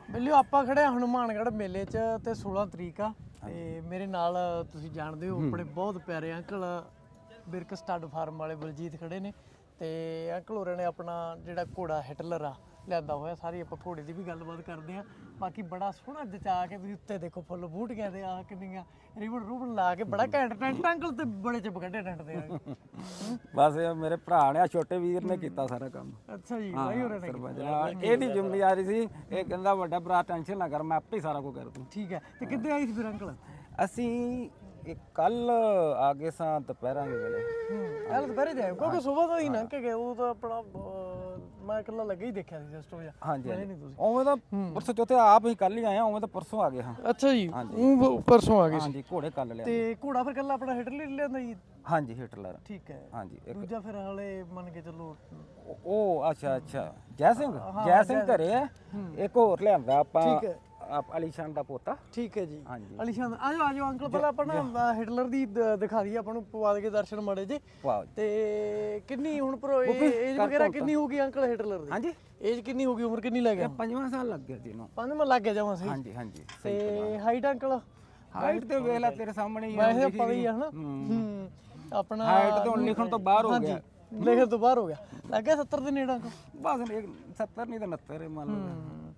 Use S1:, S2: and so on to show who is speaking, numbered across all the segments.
S1: ਬਿੱਲਿਓ ਆਪਾਂ ਖੜੇ ਆ ਹਨੂਮਾਨਗੜ੍ਹ ਮੇਲੇ 'ਚ ਤੇ 16 ਤਰੀਕ ਆ ਤੇ ਮੇਰੇ ਨਾਲ ਤੁਸੀਂ ਜਾਣਦੇ ਹੋ ਆਪਣੇ ਬਹੁਤ ਪਿਆਰੇ ਅੰਕਲ ਬਿਰਕ ਸਟੱਡ ਫਾਰਮ ਵਾਲੇ ਬਲਜੀਤ ਖੜੇ ਨੇ ਤੇ ਅੰਕਲ ਹੋਰਾਂ ਨੇ ਆਪਣਾ ਜਿਹੜਾ ਘੋੜਾ ਹਿਟਲਰ ਆ ਲਿਆਂਦਾ ਹੋਇਆ। ਸਾਰੀ ਆਪਾਂ ਘੋੜੇ ਦੀ ਵੀ ਗੱਲਬਾਤ ਕਰਦੇ ਆ। ਬਾਕੀ ਬੜਾ ਸੋਹਣਾ ਜਚਾ ਕੇ ਤੁਸੀਂ ਉੱਤੇ ਦੇਖੋ ਫੁੱਲ ਬੂਟੀਆਂ ਦੇ ਆ ਕਿੰਨੀਆਂ ਰਿਬਨ ਰੂਬਨ ਲਾ ਕੇ ਬੜਾ ਘੈਂਟ ਟੈਂਟ ਅੰਕਲ ਤੇ ਬੜੇ ਚਿਪ ਕੱਢੇ ਟੈਂਟ ਦੇ
S2: ਬਸ ਇਹ ਮੇਰੇ ਭਰਾ ਨੇ ਛੋਟੇ ਵੀਰ ਨੇ ਕੀਤਾ ਸਾਰਾ ਕੰਮ।
S1: ਅੱਛਾ ਜੀ ਬਾਈ ਹੋਰਾਂ ਨੇ
S2: ਸਰਪੰਚ ਨਾਲ ਇਹਦੀ ਜ਼ਿੰਮੇਵਾਰੀ ਸੀ। ਇਹ ਕਹਿੰਦਾ ਵੱਡਾ ਭਰਾ ਟੈਨਸ਼ਨ ਨਾ ਕਰ ਮੈਂ ਆਪੇ ਹੀ ਸਾਰਾ ਕੁਝ ਕਰ ਦੂੰ।
S1: ਠੀਕ ਹੈ ਤੇ ਕਿੱਦੇ ਆਈ ਸੀ ਫਿਰ ਅੰਕਲ?
S2: ਅਸੀਂ ਕੱਲ ਆ ਗਏ ਸਾਂ ਦੁਪਹਿਰਾਂ ਦੇ ਵੇਲੇ।
S1: ਕੱਲ ਦੁਪਹਿਰੇ ਜਾਏ ਕਿਉਂਕਿ ਸਵੇਰ ਤੋਂ ਹੀ ਲੰਘ ਕੇ ਗਏ। ਉਹ ਤਾਂ ਆਪਣਾ ਮੈਂ ਇਕੱਲਾ ਲੱਗੇ ਹੀ ਦੇਖਿਆ ਸੀ ਜਸਟ ਉਹ
S2: ਹਾਂਜੀ ਉਵੇਂ ਤਾਂ ਪਰਸੋਂ ਚੌਥੇ ਆਪ ਹੀ ਕੱਲ ਹੀ ਆਏ ਉਵੇਂ ਤਾਂ ਪਰਸੋਂ ਆ ਗਏ ਹਾਂ।
S1: ਅੱਛਾ ਜੀ ਉਹ ਪਰਸੋਂ ਆ ਗਏ ਸੀ।
S2: ਹਾਂਜੀ ਘੋੜੇ ਕੱਲ ਲਿਆ
S1: ਤੇ ਘੋੜਾ ਫਿਰ ਕੱਲਾ ਆਪਣਾ ਹਿਟਲਰ ਹੀ ਲਿਆਂਦਾ ਜੀ?
S2: ਹਾਂਜੀ ਹਿਟਲਰ।
S1: ਠੀਕ ਹੈ।
S2: ਹਾਂਜੀ
S1: ਦੂਜਾ ਫਿਰ ਹਲੇ ਮੰਨ ਕੇ ਚੱਲੋ
S2: ਉਹ ਅੱਛਾ ਜੈ ਸਿੰਘ ਘਰੇ ਹੈ। ਇੱਕ ਹੋਰ ਲਿਆਂਦਾ ਆਪਾਂ ਅਲੀਸ਼ਾਨ ਦਾ ਪੋਤਾ।
S1: ਠੀਕ ਹੈ ਜੀ
S2: ਹਾਂਜੀ
S1: ਅਲੀਸ਼ਾਨ ਆਜੋ ਅੰਕਲ ਪਹਿਲਾਂ ਆਪਾਂ ਨਾ ਹਿਟਲਰ ਦੀ ਦਿਖਾ ਦਈਏ ਆਪਾਂ ਨੂੰ ਪਵਾ ਦੇ ਕੇ ਦਰਸ਼ਨ ਮਾੜੇ ਜੇ। ਤੇ ਕਿੰਨੀ ਹੁਣ ਪਰ ਏਜ ਵਗੈਰਾ ਕਿੰਨੀ ਹੋਊਗੀ ਅੰਕਲ ਹਿਟਲਰ ਦੀ?
S2: ਹਾਂਜੀ
S1: ਏਜ ਕਿੰਨੀ ਹੋਊਗੀ ਉਮਰ ਕਿੰਨੀ ਲੱਗ ਗਿਆ?
S2: 5 ਸਾਲ ਲੱਗ ਗਿਆ ਜੀ ਇਹਨੂੰ।
S1: 5 ਲੱਗ ਗਿਆ ਜਾਵਾਂ ਸਹੀ।
S2: ਹਾਂਜੀ
S1: ਤੇ ਹਾਈਟ ਅੰਕਲ?
S2: ਹਾਈਟ ਤੇ ਵੇਖ ਲੈ ਤੇਰੇ ਸਾਹਮਣੇ ਹੀ
S1: ਵੈਸੇ ਪਤਾ ਹੀ ਆ ਹਨਾ ਆਪਣਾ
S2: ਹਾਈਟ ਤੇ ਹੁਣ ਲਿਖਣ ਤੋਂ ਬਾਹਰ ਹੋ ਗਿਆ।
S1: ਲਿਖਣ ਤੋਂ ਬਾਹਰ ਹੋ ਗਿਆ। ਲੱਗ ਗਿਆ 70 ਦੇ ਨੇੜੇ ਅੰਕਲ?
S2: ਬਸ 70 ਨਹੀਂ ਤਾਂ 69 ਮੰਨ ਲਓ।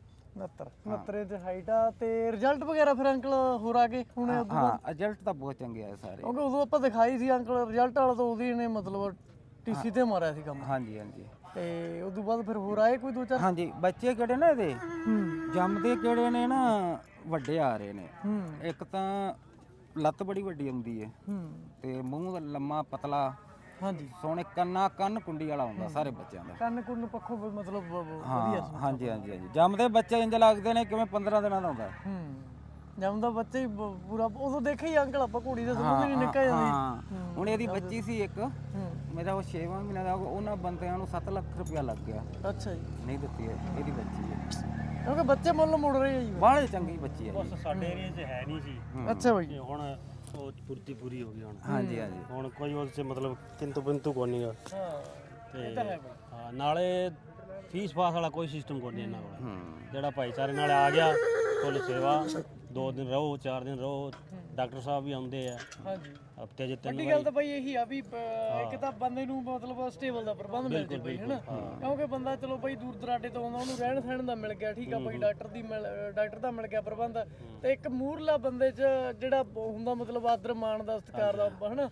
S1: 69 ਤੇ ਹਾਈਟ ਆ। ਤੇ ਰਿਜ਼ਲਟ ਵਗੈਰਾ ਫਿਰ ਅੰਕਲ ਹੋਰ ਆ ਗਏ ਹੁਣ?
S2: ਹਾਂ ਰਿਜ਼ਲਟ ਤਾਂ ਬਹੁਤ ਚੰਗੇ ਆਏ ਸਾਰੇ।
S1: ਕਿਉਂਕਿ ਉਦੋਂ ਆਪਾਂ ਦਿਖਾਈ ਸੀ ਅੰਕਲ ਰਿਜ਼ਲਟ ਵਾਲਾ ਤਾਂ ਉਹਦੀ ਨੇ ਮਤਲਬ ਟੀਸੀ ਤੇ ਮਾਰਿਆ ਸੀ ਕੰਮ।
S2: ਹਾਂਜੀ
S1: ਤੇ ਉਸ ਤੋਂ ਬਾਅਦ ਫਿਰ ਹੋਰ ਆਏ ਕੋਈ 2-4?
S2: ਹਾਂਜੀ ਬੱਚੇ ਕਿਹੜੇ ਨੇ ਇਹਦੇ ਜੰਮਦੇ ਕਿਹੜੇ ਨੇ ਨਾ ਵੱਡੇ ਆ ਰਹੇ ਨੇ। ਇੱਕ ਤਾਂ ਲੱਤ ਬੜੀ ਵੱਡੀ ਆਉਂਦੀ ਹੈ ਤੇ ਮੂੰਹ ਲੰਮਾ ਪਤਲਾ।
S1: ਹਾਂਜੀ
S2: ਸੋਹਣੇ ਕੰਨ ਕੁੰਡੀ ਵਾਲਾ ਹੁੰਦਾ ਸਾਰੇ ਬੱਚਿਆਂ ਦਾ।
S1: ਕੰਨ ਕੁੰਨ ਪੱਖੋਂ ਮਤਲਬ
S2: ਵਧੀਆ। ਹਾਂਜੀ ਜੰਮਦੇ ਬੱਚੇ ਇੰਜ ਲੱਗਦੇ ਨੇ ਕਿਵੇਂ 15 ਦਿਨਾਂ ਦਾ ਹੁੰਦਾ।
S1: ਜੰਮਦਾ ਬੱਚਾ ਹੀ ਪੂਰਾ ਉਦੋਂ ਦੇਖਿਆ ਹੀ ਅੰਕਲ ਆਪਾਂ ਘੋੜੀ ਦਾ ਸਮਝ ਨਹੀਂ ਨਿਕਲ ਜਾਂਦੀ।
S2: ਹੁਣ ਇਹਦੀ ਬੱਚੀ ਸੀ ਇੱਕ ਮੇਰਾ ਉਹ 6ਵਾਂ ਮਹੀਨਾ ਦਾ ਉਹਨਾਂ ਬੰਦਿਆਂ ਨੂੰ 7 ਲੱਖ ਰੁਪਇਆ ਲੱਗ ਗਿਆ।
S1: ਅੱਛਾ ਜੀ
S2: ਨਹੀਂ ਦਿੱਤੀ ਹੈ ਇਹਦੀ ਬੱਚੀ ਹੈ
S1: ਕਿਉਂਕਿ ਬੱਚੇ ਮੁੱਲ ਮੁੜ ਰਹੇ ਆ ਜੀ।
S2: ਬਾਹਲੇ ਚੰਗੀ ਬੱਚੀ ਹੈ।
S3: ਬਸ ਸਾਡੇ ਏਰੀਆ 'ਚ ਹੈ ਨਹੀਂ ਸੀ।
S1: ਅੱਛਾ ਬਾਈ
S3: ਹੁਣ ਉਹ ਪੂਰੀ ਹੋ ਗਈ ਹੁਣ।
S2: ਹਾਂਜੀ
S3: ਹੁਣ ਕੋਈ ਉਸ 'ਚ ਮਤਲਬ ਕਿੰਤੂ ਬਿੰਤੂ ਕੋਈ ਨਹੀਂਗਾ।
S1: ਤੇ
S3: ਹਾਂ ਨਾਲੇ ਫੀਸ ਫਾਸ ਵਾਲਾ ਕੋਈ ਸਿਸਟਮ ਕੋਈ ਨਹੀਂ ਇਹਨਾਂ ਕੋਲ। ਜਿਹੜਾ ਭਾਈਚਾਰੇ ਨਾਲ ਆ ਗਿਆ ਫੁੱਲ ਸੇਵਾ 2 ਦਿਨ ਰਹੋ 4 ਦਿਨ ਰਹੋ। ਡਾਕਟਰ ਸਾਹਿਬ ਵੀ ਆਉਂਦੇ ਆ
S1: ਹਾਂਜੀ
S3: ਹਫਤੇ 'ਚ 3
S1: ਵੱਡੀ ਗੱਲ ਤਾਂ ਬਾਈ ਇਹੀ ਆ ਵੀ ਇੱਕ ਤਾਂ ਬੰਦੇ ਨੂੰ ਮਤਲਬ ਸਟੇਬਲ ਦਾ ਪ੍ਰਬੰਧ ਮਿਲ ਜੇ ਬਈ ਹਨਾ। ਕਿਉਂਕਿ ਬੰਦਾ ਚਲੋ ਬਾਈ ਦੂਰ ਦਰਾਡੇ ਤੋਂ ਆਉਂਦਾ ਉਹਨੂੰ ਰਹਿਣ ਸਹਿਣ ਦਾ ਮਿਲ ਗਿਆ ਠੀਕ ਆ ਬਾਈ ਡਾਕਟਰ ਦਾ ਮਿਲ ਗਿਆ ਪ੍ਰਬੰਧ। ਤੇ ਇੱਕ ਮੂਰਲਾ ਬੰਦੇ 'ਚ ਜਿਹੜਾ ਹੁੰਦਾ ਮਤਲਬ ਆਦਰ ਮਾਣ ਦਾ ਸਤਿਕਾਰ ਦਾ ਹਨਾ।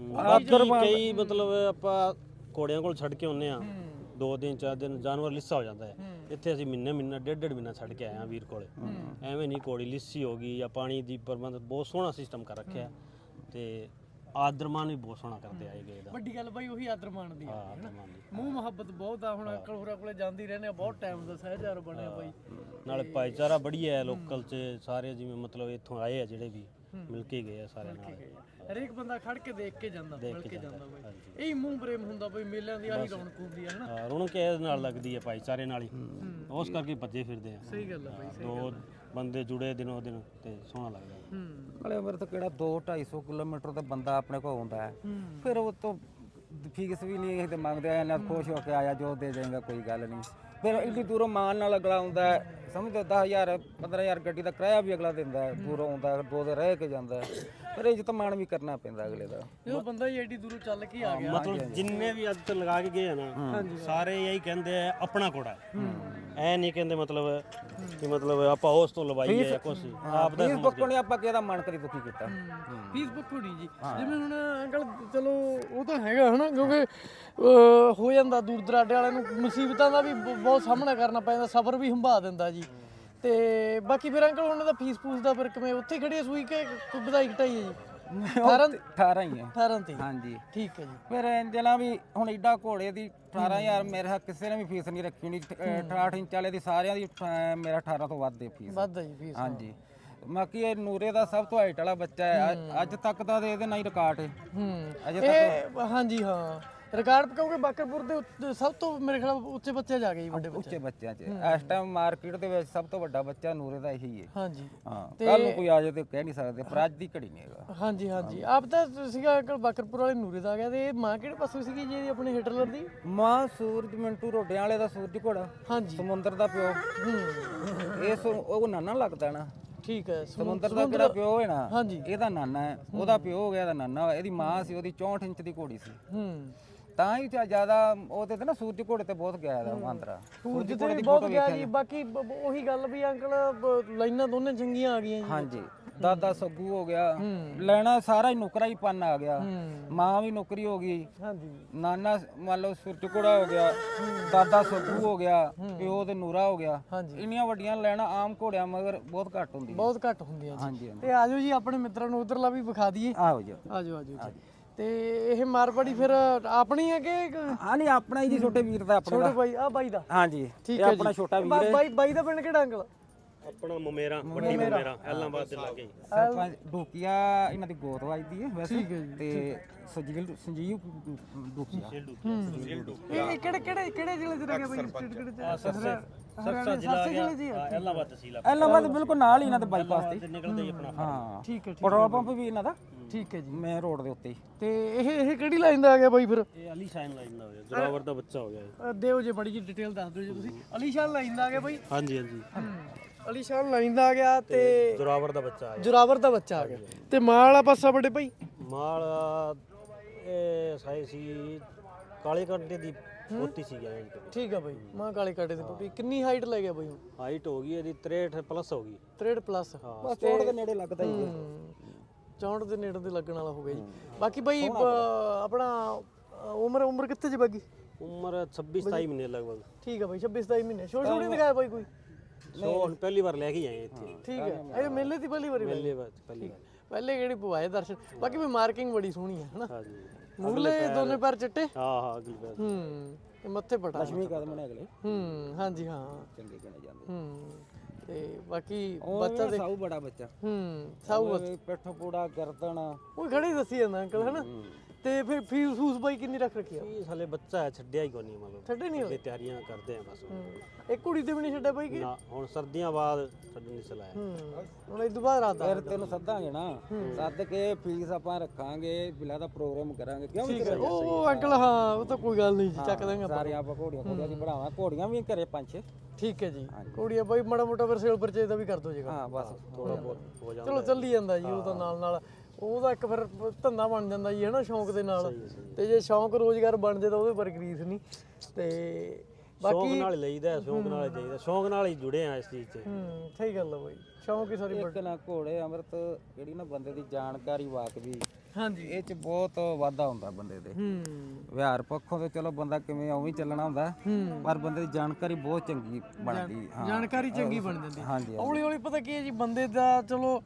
S3: ਕਈ ਮਤਲਬ ਆਪਾਂ ਘੋੜਿਆਂ ਕੋਲ ਛੱਡ ਕੇ ਆਉਂਦੇ ਆ 2 ਦਿਨ 4 ਦਿਨ ਜਾਨਵਰ ਲਿੱਸਾ ਹੋ ਜਾਂਦਾ ਹੈ। ਇੱਥੇ ਅਸੀਂ ਮਹੀਨਾ ਡੇਢ ਮਹੀਨਾ ਛੱਡ ਕੇ ਆਏ ਆ ਵੀਰ ਕੋਲੇ। ਐਵੇਂ ਨਹੀਂ ਘੋੜੀ ਲਿੱਸੀ ਹੋ ਗਈ ਜਾਂ ਪਾਣੀ ਦੀ ਪ੍ਰਬੰਧ ਬਹੁਤ ਸੋਹਣਾ ਸਿਸਟਮ ਕਰ ਰੱਖਿਆ ਤੇ ਆਦਰਮਾਨ ਵੀ ਬਹੁਤ ਸੋਹਣਾ ਕਰਦੇ ਆਏ ਗਏ ਦਾ।
S1: ਵੱਡੀ ਗੱਲ ਬਾਈ ਉਹੀ ਆਦਰਮਾਨ ਦੀ ਆ ਮੂੰਹ ਮੁਹੱਬਤ ਬਹੁਤ ਆ। ਹੁਣ ਅੰਕਲ ਹੋਰਾਂ ਕੋਲੇ ਜਾਂਦੀ ਰਹਿੰਦੇ ਆ ਬਹੁਤ ਟਾਈਮ ਦਾ ਸਹਿਜਾਰ ਬਣਿਆ ਬਾਈ।
S3: ਨਾਲੇ ਭਾਈਚਾਰਾ ਬੜੀ ਹੈ ਲੋਕਲ 'ਚ ਸਾਰੇ ਜਿਵੇਂ ਮਤਲਬ ਇੱਥੋਂ ਆਏ ਆ ਜਿਹੜੇ ਵੀ ਮਿਲ ਕੇ ਗਏ ਆ ਸਾਰੇ ਨਾਲ।
S1: ਹਰੇਕ ਬੰਦਾ ਖੜ ਕੇ ਦੇਖ ਕੇ ਜਾਂਦਾ ਮਿਲ ਕੇ ਜਾਂਦਾ ਬਾਈ। ਇਹ ਮੂੰਹ ਪ੍ਰੇਮ ਹੁੰਦਾ ਬਾਈ ਮੇਲਿਆਂ ਦੀ ਆਹੀ ਰੌਣਕ ਹੁੰਦੀ ਹੈ ਹਨਾ।
S3: ਰੌਣਕ ਇਹਦੇ ਨਾਲ ਲੱਗਦੀ ਹੈ ਭਾਈਚਾਰੇ ਨਾਲ ਹੀ। ਉਸ ਕਰਕੇ ਭੱਜੇ ਫਿਰਦੇ ਆ।
S1: ਸਹੀ ਗੱਲ ਆ ਬਾਈ।
S3: 2 ਬੰਦੇ ਜੁੜੇ ਦਿਨੋਂ ਦਿਨ ਤੇ ਸੋਹਣਾ ਲੱਗਦਾ।
S2: ਨਾਲੇ ਮੇਰੇ ਤੋਂ ਕਿਹੜਾ 200-250 ਕਿਲੋਮੀਟਰ ਤੇ ਬੰਦਾ ਆਪਣੇ ਕੋਲ ਆਉਂਦਾ ਹੈ। ਫਿਰ ਉਹ ਤੋਂ ਫੀਸ ਵੀ ਨਹੀਂ ਇਹ ਮੰਗਦੇ ਆ। ਇਹਨਾਂ ਖੁਸ਼ ਹੋ ਕੇ ਆਇਆ ਜੋ ਦੇ ਦੇਗਾ ਕੋਈ ਗੱਲ ਨਹੀਂ। ਫਿਰ ਇੰਨੀ ਦੂਰੋਂ ਮਾਲ ਨਾਲ ਅਗਲਾ ਆਉਂਦਾ ਹੈ ਸਮਝੋ 10,000 15,000 ਗੱਡੀ ਦਾ ਕਿਰਾਇਆ ਵੀ ਅਗਲਾ ਦਿੰਦਾ ਹੈ। ਦੂਰੋਂ ਆਉਂਦਾ 2 ਦਿਨ ਰਹਿ ਕੇ ਜਾਂਦਾ ਫਿਰ ਇੱਜ਼ਤ ਮਾਣ ਵੀ ਕਰਨਾ ਪੈਂਦਾ ਅਗਲੇ ਦਾ।
S1: ਜਦੋਂ ਬੰਦਾ ਹੀ ਐਡੀ ਦੂਰੋਂ ਚੱਲ ਕੇ ਆ ਗਿਆ
S3: ਮਤਲਬ ਜਿੰਨੇ ਵੀ ਅੱਜ ਤੱਕ ਲਗਾ ਕੇ ਗਏ ਆ ਨਾ ਸਾਰੇ ਇਹੀ ਕਹਿੰਦੇ ਆ ਆਪਣਾ ਘੋੜਾ ਐ ਨਹੀਂ ਕਹਿੰਦੇ ਮਤਲਬ ਕਿ ਮਤਲਬ ਆਪਾਂ ਉਸ ਤੋਂ ਲਵਾਈਏ ਜਾਂ ਕੁਛ ਆਪ ਦਾ
S2: ਫੀਸ ਬੱਕੋ ਨੇ ਆਪਾਂ ਕਿਹਦਾ ਮਨ ਕਰੀ ਦੁਖੀ ਕੀਤਾ।
S1: ਫੀਸ ਬੱਕੋ ਨਹੀਂ ਜੀ ਜਿਵੇਂ ਹੁਣ ਅੰਕਲ ਚਲੋ ਉਹ ਤਾਂ ਹੈਗਾ ਹਨਾ ਕਿਉਂਕਿ ਹੋ ਜਾਂਦਾ ਦੂਰ ਦਰਾਡੇ ਵਾਲਿਆਂ ਨੂੰ ਮੁਸੀਬਤਾਂ ਦਾ ਵੀ ਬਹੁਤ ਸਾਹਮਣਾ ਕਰਨਾ ਪੈਂਦਾ। ਸਬਰ ਵੀ ਹੰਭਾ ਦਿੰਦਾ ਜੀ। ਤੇ ਬਾਕੀ ਫਿਰ ਅੰਕਲ ਉਹਨਾਂ ਦਾ ਫੀਸ ਫੂਸ ਦਾ ਫਿਰ ਕਿਵੇਂ ਉੱਥੇ ਖੜੀ ਸੂਈ ਕਿ ਵਧਾਈ ਘਟਾਈ ਹੈ ਜੀ?
S2: 18 ਹੀ ਹੈ
S1: 18 ਤੇ
S2: ਹਾਂਜੀ
S1: ਠੀਕ ਹੈ ਜੀ।
S2: ਫਿਰ ਇੰਜਲਾ ਵੀ ਹੁਣ ਏਡਾ ਘੋੜੇ ਦੀ 18,000 ਮੇਰੇ ਕਿਸੇ ਨੇ ਵੀ ਫੀਸ ਨਹੀਂ ਰੱਖੀ ਨਹੀਂ। 68 ਇੰਚ ਵਾਲੇ ਦੀ ਸਾਰਿਆਂ ਦੀ ਮੇਰਾ 18 ਤੋਂ ਵੱਧ ਦੇ ਫੀਸ।
S1: ਵੱਧ ਹੈ ਜੀ ਫੀਸ।
S2: ਹਾਂਜੀ ਬਾਕੀ ਇਹ ਨੂਰੇ ਦਾ ਸਭ ਤੋਂ ਹਾਈਟ ਵਾਲਾ ਬੱਚਾ ਹੈ। ਅੱਜ ਤੱਕ ਦਾ ਇਹਦੇ ਨਾਲ ਹੀ ਰਿਕਾਰਡ ਹੈ ਅਜੇ ਤੱਕ।
S1: ਹਾਂਜੀ ਹਾਂ ਰਿਕਾਰਡ ਕਿਉਂਕਿ ਬਾਕਰਪੁਰ ਦੇ ਸਭ ਤੋਂ ਮੇਰੇ ਖਿਆਲ ਉੱਚੇ ਬੱਚੇ ਜਾ ਗਏ ਜੀ, ਵੱਡੇ ਬੱਚੇ।
S2: ਉੱਚੇ ਬੱਚਿਆਂ 'ਚ ਇਸ ਟਾਈਮ ਮਾਰਕੀਟ ਦੇ ਵਿੱਚ ਸਭ ਤੋਂ ਵੱਡਾ ਬੱਚਾ ਨੂਰੇ ਦਾ ਇਹੀ ਹੈ।
S1: ਹਾਂਜੀ
S2: ਹਾਂ, ਕੱਲ ਨੂੰ ਕੋਈ ਆ ਜਾਏ ਤੇ ਕਹਿ ਨਹੀਂ ਸਕਦੇ, ਪਰ ਅੱਜ ਦੀ ਘੜੀ ਨਹੀਂ ਹੈਗਾ।
S1: ਹਾਂਜੀ ਹਾਂਜੀ। ਆਪ ਤਾਂ ਸੀਗਾ ਅੰਕਲ ਬਾਕਰਪੁਰ ਵਾਲੇ ਨੂਰੇ ਦਾ ਆ ਗਿਆ, ਤੇ ਇਹ ਮਾਂ ਕਿਹੜੇ ਪਾਸੋਂ ਸੀਗੀ ਜੀ ਇਹਦੀ, ਆਪਣੇ ਹਿਟਲਰ ਦੀ?
S2: ਮਾਂ ਸੂਰਜ ਮਿੰਟੂ ਰੋਡਿਆਂ ਵਾਲੇ ਦਾ ਸੂਰਜ ਘੋੜਾ,
S1: ਹਾਂਜੀ।
S2: ਸਮੁੰਦਰ ਦਾ ਪਿਓ। ਇਸ ਉਹ ਨਾਨਾ ਲੱਗਦਾ ਨਾ,
S1: ਠੀਕ ਹੈ।
S2: ਸਮੁੰਦਰ ਦਾ ਜਿਹੜਾ ਪਿਓ ਹੈ ਨਾ,
S1: ਹਾਂਜੀ।
S2: ਇਹਦਾ ਨਾਨਾ ਹੈ, ਉਹਦਾ ਪਿਓ ਹੋ ਗਿਆ, ਇਹਦਾ ਨਾਨਾ ਹੋਇਆ। ਇਹਦੀ ਮਾਂ ਸੀ, ਉਹਦੀ 64 ਇੰਚ ਦੀ ਘੋੜੀ ਸੀ। ਤਾਂ ਹੀ ਜਿਆਦਾ ਉਹਦੇ ਤੇ ਨਾ ਸੂਰਜ ਘੋੜੇ ਤੇ ਬਹੁਤ ਗਿਆ ਦਾ ਮਾਂਦਰਾ।
S1: ਸੂਰਜ ਤੇ ਵੀ ਬਹੁਤ ਗਿਆ ਜੀ। ਬਾਕੀ ਉਹੀ ਗੱਲ ਵੀ ਅੰਕਲ ਲਾਈਨਾਂ ਦੋਨੇ ਚੰਗੀਆਂ ਆ ਗਈਆਂ ਜੀ।
S2: ਹਾਂਜੀ, ਦਾਦਾ ਸੱਗੂ ਹੋ ਗਿਆ, ਲੈਣਾ ਸਾਰਾ ਹੀ ਨੁਕਰਾ ਹੀ ਪੰਨ ਆ ਗਿਆ। ਮਾਂ ਵੀ ਨੌਕਰੀ ਹੋ ਗਈ।
S1: ਹਾਂਜੀ।
S2: ਨਾਨਾ ਮੰਨ ਲਓ ਸੂਰਜ ਘੋੜਾ ਹੋ ਗਿਆ, ਦਾਦਾ ਸੱਗੂ ਹੋ ਗਿਆ, ਪਿਓ ਤੇ ਨੂਰਾ ਹੋ ਗਿਆ।
S1: ਹਾਂਜੀ।
S2: ਇੰਨੀਆਂ ਵੱਡੀਆਂ ਲੈਣਾ ਆਮ ਘੋੜਿਆਂ ਮਗਰ ਬਹੁਤ ਘੱਟ ਹੁੰਦੀਆਂ।
S1: ਬਹੁਤ ਘੱਟ ਹੁੰਦੀਆਂ ਜੀ।
S2: ਹਾਂਜੀ ਹਾਂਜੀ,
S1: ਤੇ ਆਜੋ ਜੀ ਆਪਣੇ ਮਿੱਤਰਾਂ ਨੂੰ ਉਧਰਲਾ ਵੀ ਵਿਖਾ ਦਈਏ।
S2: ਆਓ ਜੀ।
S1: ਆਜੋ ਆਜੋ ਜੀ। ਤੇ ਇਹ ਮਾਰਵਾੜੀ ਫਿਰ ਆਪਣੀ ਹੈ ਕਿ
S2: ਹਾਂ ਨਹੀਂ, ਆਪਣਾ ਹੀ ਜੀ, ਛੋਟੇ ਵੀਰ ਦਾ ਆਪਣਾ।
S1: ਛੋਟੇ ਬਾਈ? ਆ ਬਾਈ ਦਾ?
S2: ਹਾਂਜੀ,
S1: ਠੀਕ
S2: ਇਹ
S1: ਹੈ
S2: ਆਪਣਾ
S1: ਜੀ।
S2: ਛੋਟਾ ਵੀਰ ਹੈ।
S1: ਬਾਈ ਦਾ ਪਿੰਡ ਕਿਹੜਾ ਅੰਕਲ?
S3: ਆਪਣਾ ਮਮੇਰਾ, ਵੱਡੀ ਮਮੇਰਾ, ਐਲਾਂਬਾਦ ਦੇ ਲਾਗੇ।
S2: ਸਰਪੰਚ ਡੋਕੀਆ ਇਹਨਾਂ ਦੀ ਗੋਤ ਵੱਜਦੀ ਹੈ ਵੈਸੇ।
S1: ਠੀਕ ਹੈ ਜੀ।
S2: ਤੇ ਸੰਜੀਵ ਡੋਕੀਆ।
S1: ਇਹ ਕਿਹੜੇ ਜ਼ਿਲ੍ਹੇ ਚ ਰਹਿ ਗਿਆ ਬਾਈ? ਸਟੇਟ ਕਿਹੜੇ ਚ?
S3: ਸਰਸਾ ਜ਼ਿਲ੍ਹਾ ਆ ਗਿਆ, ਐਲਾਂਬਾਦ ਤਹਿਸੀਲ ਆ।
S2: ਐਲਾਂਬਾਦ ਬਿਲਕੁਲ ਨਾਲ ਹੀ ਇਹਨਾਂ ਦੇ ਬਾਈਪਾਸ ਤੇ।
S3: ਨਿਕਲਦੇ ਹੀ ਆਪਣਾ।
S2: ਹਾਂ
S1: ਠੀਕ ਹੈ।
S2: ਪੈਟਰੋਲ ਪੰਪ ਵੀ ਇਹਨਾਂ ਦਾ
S1: ਠੀਕ ਹੈ ਜੀ।
S2: ਮੇਨ ਰੋਡ ਦੇ ਉੱਤੇ ਹੀ।
S1: ਤੇ ਇਹ ਕਿਹੜੀ ਲਾਈਨ ਦਾ ਆ ਗਿਆ ਬਾਈ ਫਿਰ?
S3: ਇਹ ਅਲੀ ਸ਼ਾਨ ਲਾਈਨ ਦਾ ਹੋ ਗਿਆ, ਜੋਰਾਵਰ ਦਾ ਬੱਚਾ ਹੋ ਗਿਆ ਇਹ।
S1: ਦਿਓ ਜੇ ਬੜੀ ਜੀ ਡਿਟੇਲ ਦੱਸ ਦਿਓ ਜੀ ਤੁਸੀਂ। ਅਲੀਸ਼ਾਨ ਲਾਈਨ ਦਾ ਆ ਗਿਆ ਬਾਈ?
S3: ਹਾਂਜੀ ਹਾਂਜੀ,
S1: ਅਲੀਸ਼ਾਨ ਲਾਈਨ ਦਾ ਆ ਗਿਆ ਤੇ
S3: ਜੋਰਾਵਰ ਦਾ ਬੱਚਾ ਆ ਗਿਆ।
S1: ਜੋਰਾਵਰ ਦਾ ਬੱਚਾ ਆ ਗਿਆ। ਤੇ ਮਾਂ ਵਾਲਾ ਪਾਸਾ ਵੱਡੇ ਭਾਈ?
S3: ਮਾਲ ਇਹ ਸਾਈ ਸੀ ਕਾਲੇ ਕੰਟੇ ਦੀ ਪੋਤੀ ਸੀ ਗਿਆ ਜੀ।
S1: ਠੀਕ ਆ ਬਾਈ। ਮਾਂ ਕਾਲੇ ਕਾਟੇ ਦੀ ਪੁੱਟੀ। ਕਿੰਨੀ ਹਾਈਟ ਲੈ ਗਿਆ ਬਾਈ ਹੁਣ?
S3: ਹਾਈਟ ਹੋ ਗਈ ਇਹਦੀ 63 ਪਲੱਸ ਹੋ ਗਈ।
S1: 63 ਪਲੱਸ।
S2: ਬਸ ਚੋੜ ਦੇ ਨੇੜੇ ਲੱਗਦਾ ਹੀ ਹੈ।
S1: 64 ਦੇ ਨੇੜੇ ਤੇ ਲੱਗਣ ਵਾਲਾ ਹੋ ਗਿਆ ਜੀ। ਬਾਕੀ ਬਾਈ ਆਪਣਾ ਉਮਰ ਕਿੱਥੇ ਜੀ ਬਾਕੀ?
S3: ਉਮਰ 26 27 ਮਹੀਨੇ ਲਗਭਗ।
S1: ਠੀਕ ਆ ਬਾਈ। 26 27 ਮਹੀਨੇ। ਛੋਟੇ ਨਹੀਂ ਦਿਖਾਇਆ ਬਾਈ ਕੋਈ?
S3: ਸੋ ਹੁਣ ਪਹਿਲੀ ਵਾਰ ਲੈ ਕੇ ਆਏ ਇੱਥੇ।
S1: ਠੀਕ ਹੈ। ਇਹ ਮੇਲੇ ਦੀ ਪਹਿਲੀ ਵਾਰੀ
S3: ਪਹਿਲੇ ਵਾਰ ਪਹਿਲੀ ਵਾਰ।
S1: ਪਹਿਲੇ ਕਿਹੜੀ ਪਵਾਏ ਦਰਸ਼ਨ। ਬਾਕੀ ਵੀ ਮਾਰਕਿੰਗ ਬੜੀ ਸੋਹਣੀ ਹੈ ਹਨਾ।
S3: ਹਾਂਜੀ,
S1: ਮੂਰਲੇ ਦੋਨੇ ਪੈਰ ਚਿੱਟੇ।
S3: ਹਾਂ ਅਗਲੀ ਵਾਰ।
S1: ਤੇ ਮੱਥੇ ਪਟਾ।
S2: ਲక్ష్ਮੀ ਕਦਮ ਨੇ ਅਗਲੇ
S1: ਹਾਂਜੀ ਹਾਂ।
S2: ਚੰਗੇ ਗਣੇ ਜਾਂਦੇ।
S1: ਤੇ ਬਾਕੀ
S2: ਬੱਚਾ ਦੇ ਸਾਊ ਬੜਾ ਬੱਚਾ।
S1: ਸਾਊ
S2: ਪਿੱਠ ਪੂੜਾ ਗਰਦਨ
S1: ਉਹ ਖੜੀ ਦੱਸੀ ਜਾਂਦਾ ਅੰਕਲ ਹਨਾ। ਤੇ ਫਿਰ ਫੀਸ ਫੂਸ ਬਾਈ ਕਿੰਨੀ ਰੱਖ ਰੱਖੀ ਆ?
S3: ਇਹ ਸਾਲੇ ਬੱਚਾ ਹੈ, ਛੱਡਿਆ ਹੀ ਕੋਈ ਨਹੀਂ ਮਤਲਬ।
S1: ਛੱਡੇ ਨਹੀਂ ਹੋਏ?
S3: ਇਹ ਤਿਆਰੀਆਂ ਕਰਦੇ ਆ ਬਸ।
S1: ਇੱਕ ਕੁੜੀ ਤੇ ਵੀ ਨਹੀਂ ਛੱਡਿਆ ਬਾਈ ਕਿ?
S3: ਨਾ, ਹੁਣ ਸਰਦੀਆਂ ਬਾਅਦ ਛੱਡਣ ਨਹੀਂ ਸਲਾਇਆ।
S1: ਹੁਣ ਇਸ ਤੋਂ ਬਾਅਦ ਰਾਤ ਦਾ
S2: ਫਿਰ ਤੈਨੂੰ ਸੱਦਾਂਗੇ ਨਾ, ਸੱਦ ਕੇ ਫੀਸ ਆਪਾਂ ਰੱਖਾਂਗੇ, ਬਿਲਾ ਦਾ ਪ੍ਰੋਗਰਾਮ ਕਰਾਂਗੇ। ਕਿਉਂ
S1: ਠੀਕ ਹੈ। ਉਹ ਅੰਕਲ ਹਾਂ, ਉਹ ਤਾਂ ਕੋਈ ਗੱਲ ਨਹੀਂ ਜੀ, ਚੱਕ ਦਾਂਗੇ ਆਪਾਂ।
S2: ਸਾਰੇ ਆਪਾਂ ਘੋੜੀਆਂ ਦੀ ਬਣਾਵਾਂ, ਘੋੜੀਆਂ ਵੀ ਘਰੇ 5-6।
S1: ਠੀਕ ਹੈ ਜੀ। ਕੁੜੀਆਂ ਬਾਈ ਮਾੜਾ ਮੋਟਾ ਫਿਰ ਸੇਲ ਪਰਚੇਜ ਦਾ ਵੀ ਕਰ ਦੋ ਜੇਗਾ।
S2: ਹਾਂ ਬਸ
S3: ਥੋੜਾ ਬਹੁਤ ਹੋ ਜਾਂਦਾ।
S1: ਚਲੋ ਚੱਲੀ ਜਾਂਦਾ ਜੀ ਉਹ ਤਾਂ ਨਾਲ ਉਹਦਾ ਇੱਕ ਫਿਰ ਧੰਦਾ ਬਣ ਜਾਂਦਾ ਜੀ ਹਨਾ, ਸ਼ੌਂਕ ਦੇ ਨਾਲ। ਤੇ ਜੇ ਸ਼ੌਂਕ ਰੋਜ਼ਗਾਰ ਬਣ ਜੇ ਤਾਂ ਉਹਦੇ ਪਰ ਗਰੀਸ ਨਹੀਂ। ਤੇ
S3: ਸ਼ੌਂਕ ਨਾਲ ਹੀ ਲਈਦਾ, ਸ਼ੌਂਕ ਨਾਲ ਹੀ ਜਾਈਦਾ, ਸ਼ੌਂਕ ਨਾਲ ਹੀ ਜੁੜੇ ਆ ਇਸ ਚੀਜ਼ 'ਚ।
S1: ਸਹੀ ਗੱਲ ਆ ਬਾਈ। ਸ਼ੌਂਕ ਹੀ ਸਾਰੀ
S2: ਇੱਕ ਨਾ ਘੋੜੇ ਅੰਮ੍ਰਿਤ ਜਿਹੜੀ ਨਾ ਬੰਦੇ ਦੀ ਜਾਣਕਾਰੀ ਵਾਕਬੀ,
S1: ਹਾਂਜੀ
S2: ਇਹ ਚ ਬਹੁਤ ਵਾਧਾ ਹੁੰਦਾ ਬੰਦੇ ਦੇ। ਵਿਹਾਰ ਪੱਖੋਂ ਤੇ ਚਲੋ ਬੰਦਾ ਕਿਵੇਂ ਉਵੇਂ ਚੱਲਣਾ ਹੁੰਦਾ, ਪਰ ਬੰਦੇ ਦੀ ਜਾਣਕਾਰੀ ਬਹੁਤ ਚੰਗੀ ਬਣਦੀ।
S1: ਜਾਣਕਾਰੀ ਚੰਗੀ ਬਣ ਜਾਂਦੀ।
S2: ਹਾਂਜੀ
S1: ਹੌਲੀ ਹੌਲੀ ਪਤਾ ਕੀ ਹੈ ਜੀ, ਬੰਦੇ ਦਾ ਚਲੋ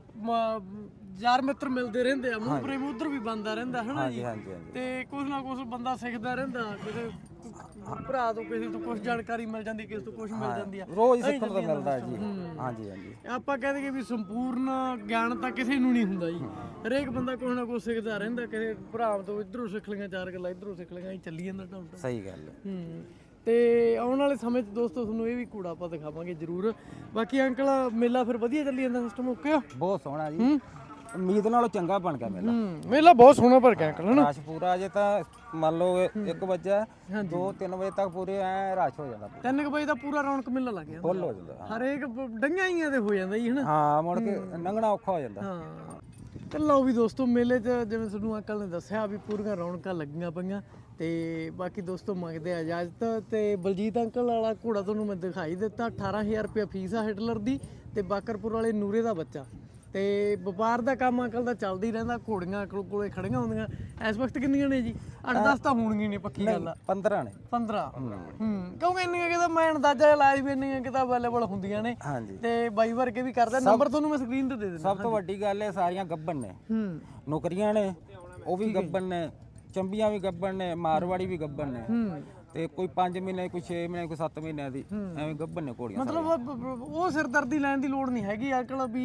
S1: ਯਾਰ ਮਿੱਤਰ ਮਿਲਦੇ ਰਹਿੰਦੇ ਆ, ਮੂੰਹ ਪ੍ਰੇਮ ਉਧਰ ਵੀ ਬਣਦਾ ਰਹਿੰਦਾ ਹਨਾ ਜੀ।
S2: ਹਾਂਜੀ
S1: ਤੇ ਕੁਝ ਨਾ ਕੁਝ ਬੰਦਾ ਸਿੱਖਦਾ ਰਹਿੰਦਾ, ਕਿਸੇ ਭਰਾ ਤੋਂ ਕਿਸੇ ਤੋਂ ਕੁਝ ਜਾਣਕਾਰੀ ਮਿਲ ਜਾਂਦੀ, ਕਿਸੇ ਤੋਂ ਕੁਝ ਮਿਲ ਜਾਂਦੀ ਆ।
S2: ਰੋਜ਼ ਸਿੱਖਣ ਨੂੰ ਮਿਲਦਾ ਜੀ। ਹਾਂਜੀ
S1: ਆਪਾਂ ਕਹਿ ਦਈਏ ਵੀ ਸੰਪੂਰਨ ਗਿਆਨ ਤਾਂ ਕਿਸੇ ਨੂੰ ਨਹੀਂ ਹੁੰਦਾ ਜੀ। ਹਰੇਕ ਬੰਦਾ ਕੁਝ ਨਾ ਕੁਝ ਸਿੱਖਦਾ ਰਹਿੰਦਾ, ਕਿਸੇ ਭਰਾ ਤੋਂ ਇਧਰੋਂ ਸਿੱਖ ਲਈਆਂ ਚਾਰ ਗੱਲਾਂ, ਇਧਰੋਂ ਸਿੱਖ ਲਈਆਂ, ਚੱਲੀ ਜਾਂਦਾ ਢਾਉਂਦਾ।
S2: ਸਹੀ ਗੱਲ ਹੈ।
S1: ਤੇ ਆਉਣ ਵਾਲੇ ਸਮੇਂ 'ਚ ਦੋਸਤੋ ਤੁਹਾਨੂੰ ਇਹ ਵੀ ਕੂੜਾ ਆਪਾਂ ਦਿਖਾਵਾਂਗੇ ਜ਼ਰੂਰ। ਬਾਕੀ ਅੰਕਲ ਮੇਲਾ ਫਿਰ ਵਧੀਆ ਚੱਲੀ ਜਾਂਦਾ, ਸਿਸਟਮ ਓਕੇ ਆ?
S2: ਬਹੁਤ ਸੋਹਣਾ ਜੀ, ਉਮੀਦ ਨਾਲੋਂ ਚੰਗਾ ਬਣ ਗਿਆ ਮੇਲਾ।
S1: ਮੇਲਾ ਬਹੁਤ ਸੋਹਣਾ ਭਰ ਗਿਆ ਅੰਕਲ ਹਨਾ।
S2: ਰਸ਼ ਪੂਰਾ ਜੇ ਤਾਂ ਮੰਨ ਲਓ 1 ਵਜੇ 2-3 ਵਜੇ ਤੱਕ ਪੂਰੇ ਐ ਰਸ਼ ਹੋ ਜਾਂਦਾ।
S1: 3 ਵਜੇ ਦਾ ਪੂਰਾ ਰੌਣਕ ਮੇਲਾ ਲੱਗ ਜਾਂਦਾ,
S2: ਫੁੱਲ ਹੋ ਜਾਂਦਾ।
S1: ਹਰੇਕ ਡੰਗਾਂ ਹੀ ਤੇ ਹੋ ਜਾਂਦਾ ਜੀ ਹਨਾ।
S2: ਹਾਂ, ਮੁੜ ਕੇ ਲੰਘਣਾ ਔਖਾ ਹੋ ਜਾਂਦਾ।
S1: ਹਾਂ ਤੇ ਲਓ ਵੀ ਦੋਸਤੋ, ਮੇਲੇ 'ਚ ਜਿਵੇਂ ਤੁਹਾਨੂੰ ਅੰਕਲ ਨੇ ਦੱਸਿਆ ਵੀ ਪੂਰੀਆਂ ਰੌਣਕਾਂ ਲੱਗੀਆਂ ਪਈਆਂ। ਤੇ ਬਾਕੀ ਦੋਸਤੋ ਮੰਗਦੇ ਆ ਇਜਾਜ਼ਤ। ਤੇ ਬਲਜੀਤ ਅੰਕਲ ਵਾਲਾ ਘੋੜਾ ਤੁਹਾਨੂੰ ਮੈਂ ਦਿਖਾਈ ਦਿੱਤਾ। 18000 ਰੁਪਏ ਫੀਸ ਆ ਹਿਟਲਰ ਦੀ, ਤੇ ਬਾਕਰਪੁਰ ਵਾਲੇ ਨੂਰੇ ਦਾ ਬੱਚਾ। ਤੇ ਵਪਾਰ ਦਾ ਕੰਮ ਅੰਕਲ ਦਾ ਚੱਲਦਾ ਹੀ ਰਹਿੰਦਾ। ਘੋੜੀਆਂ ਕੋਲੇ ਖੜੀਆਂ ਹੁੰਦੀਆਂ। ਇਸ ਵਕਤ ਕਿੰਨੀਆਂ ਨੇ ਜੀ? 8-10 ਤਾਂ ਹੋਣਗੀਆਂ ਨੇ, ਪੱਕੀ ਗੱਲ ਆ।
S2: 15 ਨੇ।
S1: 15 ਕਿਉਂਕਿ ਇੰਨੀਆਂ ਕਿਤਾ ਮੈਂ ਅੰਦਾਜ਼ਾ ਲਾਇਆ ਵੀ ਇੰਨੀਆਂ ਕਿਤਾ ਅਵੇਲੇਬਲ ਹੁੰਦੀਆਂ ਨੇ।
S2: ਹਾਂਜੀ।
S1: ਤੇ ਬਾਈ ਵਰਗੇ ਵੀ ਕਰਦਾ। ਨੰਬਰ ਤੁਹਾਨੂੰ ਮੈਂ ਸਕਰੀਨ ਤੇ ਦੇ ਦਿੰਦਾ।
S2: ਸਭ ਤੋਂ ਵੱਡੀ ਗੱਲ ਇਹ ਸਾਰੀਆਂ ਗੱਬਨ ਨੇ। ਨੌਕਰੀਆਂ ਨੇ, ਉਹ ਵੀ ਗੱਬਨ ਨੇ, ਚੰਬੀਆਂ ਵੀ ਗੱਬਨ ਨੇ, ਮਾਰਵਾੜੀ ਵੀ ਗੱਬਨ ਨੇ। ਤੇ ਕੋਈ 5 ਮਹੀਨੇ, ਕੋਈ 6 ਮਹੀਨੇ, ਕੋਈ 7 ਮਹੀਨਿਆਂ ਦੀ ਐਵੇਂ ਗੱਬਨ ਨੇ ਘੋੜੀਆਂ।
S1: ਮਤਲਬ ਉਹ ਸਿਰਦਰਦੀ ਲੈਣ ਦੀ ਲੋੜ ਨਹੀਂ ਹੈਗੀ ਅੰਕਲ ਵੀ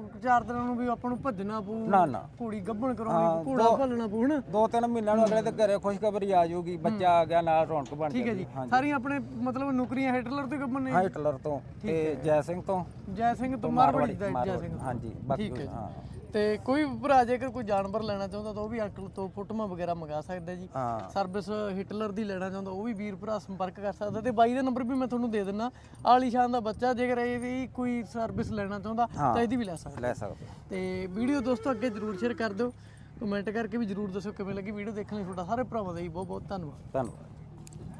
S1: 4 ਦਿਨਾਂ ਨੂੰ ਵੀ ਆਪਾਂ ਨੂੰ ਭੱਜਣਾ ਪਊ,
S2: ਨਾ ਨਾ
S1: ਘੋੜੀ ਗੱਭਣ ਕਰਾਉਣੀ ਪਊ, ਘੋੜਾ ਭੱਲਣਾ ਪਊ ਹਨਾ।
S2: 2-3 ਮਹੀਨਿਆਂ ਨੂੰ ਅਗਲੇ ਦੇ ਘਰੇ ਖੁਸ਼ਖਬਰੀ ਆ ਜਾਊਗੀ, ਬੱਚਾ ਆ ਗਿਆ ਨਾਲ ਰੌਣਕ ਬਣ
S1: ਠੀਕ ਹੈ ਜੀ। ਸਾਰੀਆਂ ਆਪਣੇ ਮਤਲਬ ਨੌਕਰੀਆਂ ਹਿਟਲਰ ਤੇ ਗੱਭਣ ਨੇ?
S2: ਹਿਟਲਰ ਤੋਂ ਤੇ ਜੈ ਸਿੰਘ ਤੋਂ,
S1: ਜੈ ਸਿੰਘ ਤੋਂ ਮਾਰਵਾੜੀ ਦਾ ਜੈ ਸਿੰਘ।
S2: ਹਾਂਜੀ ਬਾਕੀ
S1: ਠੀਕ ਹੈ ਜੀ।
S2: ਹਾਂ
S1: ਤੇ ਕੋਈ ਵੀ ਭਰਾ ਜੇਕਰ ਕੋਈ ਜਾਨਵਰ ਲੈਣਾ ਚਾਹੁੰਦਾ ਤਾਂ ਉਹ ਵੀ ਅੰਕਲ ਤੋਂ ਫੋਟੋਆਂ ਵਗੈਰਾ ਮੰਗਾ ਸਕਦਾ ਜੀ।
S2: ਹਾਂ
S1: ਸਰਵਿਸ ਹਿਟਲਰ ਦੀ ਲੈਣਾ ਚਾਹੁੰਦਾ ਉਹ ਵੀ ਵੀਰ ਭਰਾ ਸੰਪਰਕ ਕਰ ਸਕਦਾ, ਤੇ ਬਾਈ ਦਾ ਨੰਬਰ ਵੀ ਮੈਂ ਤੁਹਾਨੂੰ ਦੇ ਦਿੰਦਾ। ਆਲੀਸ਼ਾਨ ਦਾ ਬੱਚਾ, ਜੇਕਰ ਇਹਦੀ ਕੋਈ ਸਰਵਿਸ ਲੈਣਾ ਚਾਹੁੰਦਾ ਤਾਂ ਇਹਦੀ ਵੀ ਲੈ ਸਕਦਾ।
S2: ਲੈ ਸਕਦੇ।
S1: ਤੇ ਵੀਡੀਓ ਦੋਸਤੋ ਅੱਗੇ ਜਰੂਰ ਸ਼ੇਅਰ ਕਰ ਦਿਓ, ਕਮੈਂਟ ਕਰਕੇ ਵੀ ਜਰੂਰ ਦੱਸੋ ਕਿਵੇਂ ਲੱਗੀ ਵੀਡੀਓ। ਦੇਖਣ ਲਈ ਤੁਹਾਡਾ ਸਾਰੇ ਭਰਾਵਾਂ ਦਾ ਜੀ ਬਹੁਤ ਬਹੁਤ ਧੰਨਵਾਦ।
S2: ਧੰਨਵਾਦ।